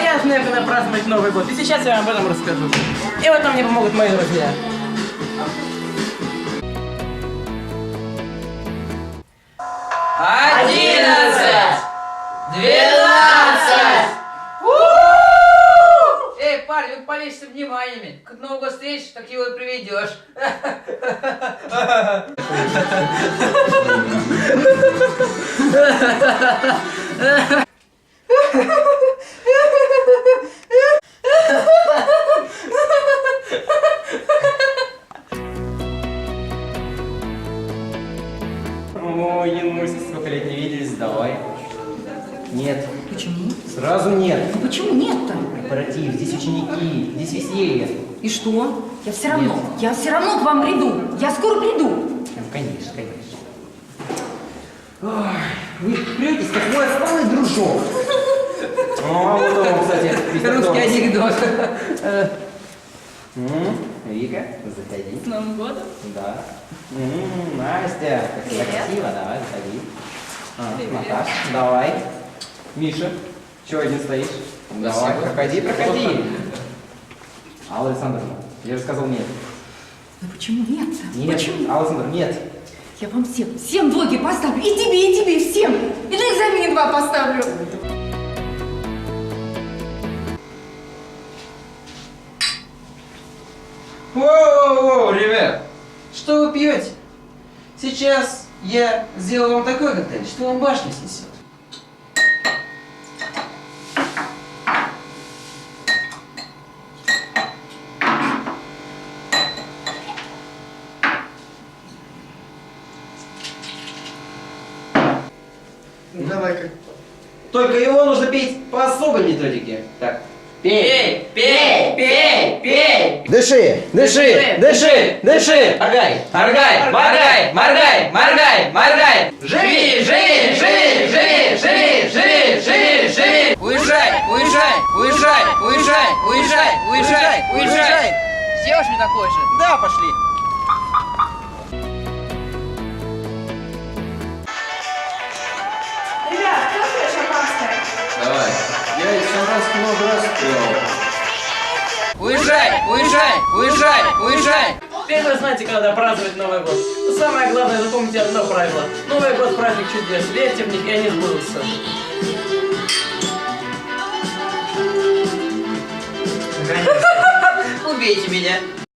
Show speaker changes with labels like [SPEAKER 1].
[SPEAKER 1] я знаю, когда праздновать Новый год. И сейчас я вам об этом расскажу. И в этом мне помогут мои друзья.
[SPEAKER 2] Одиннадцать! 12! Эй, парень, вы полезьте вниманиями. Как Новый год встретишь, так его и приведешь.
[SPEAKER 3] Ой, Януся, сколько лет не виделись, давай. Нет.
[SPEAKER 4] Почему?
[SPEAKER 3] Сразу нет.
[SPEAKER 4] Ну почему нет-то?
[SPEAKER 3] Корпоратив, здесь ученики, здесь веселье.
[SPEAKER 4] И что? Я все равно к вам приду. Я скоро приду.
[SPEAKER 3] Ну, конечно, конечно. Ой, вы претесь, как мой отсталый дружок. О, вот он, кстати,
[SPEAKER 2] Русский анекдот.
[SPEAKER 3] Вика, заходи.
[SPEAKER 4] С Новым годом.
[SPEAKER 3] Да. Настя, как
[SPEAKER 4] Привет.
[SPEAKER 3] красиво, давай, заходи. Наташ, давай. Миша, чего один стоишь? Давай, проходи, проходи. Алла Александровна, я же сказал нет.
[SPEAKER 4] Ну почему нет-то?
[SPEAKER 3] Нет,
[SPEAKER 4] Почему?
[SPEAKER 3] Алла Александровна, нет.
[SPEAKER 4] Я вам всем двойки поставлю. И тебе, всем. И на экзамене 2 поставлю.
[SPEAKER 2] Воу-воу-воу, ребят, что вы пьете? Сейчас я сделаю вам такой коктейль, что вам башню снесет.
[SPEAKER 3] Давай-ка. Только его нужно пить по особой методике. Так. Пей!
[SPEAKER 2] Пей, пей, пей!
[SPEAKER 3] Дыши! Дыши! Дыши! Дыши! Моргай! Моргай! Моргай! Моргай! Моргай! Моргай!
[SPEAKER 2] Живи, живи, живи, живи, живи, живи, живи, живи! Уезжай, уезжай, уезжай, уезжай, уезжай, уезжай, уезжай! Сделаешь мне такой же? Да, пошли.
[SPEAKER 5] Ребят, кто пьет шампанское?
[SPEAKER 3] Давай. Я из шампанского много раз пил.
[SPEAKER 2] Уезжай, уезжай, уезжай, уезжай!
[SPEAKER 1] Теперь вы знаете, когда праздновать Новый год. Но самое главное, запомните одно правило. Новый год – праздник чудес. Верьте в них, и они сбудутся.
[SPEAKER 2] Убейте меня.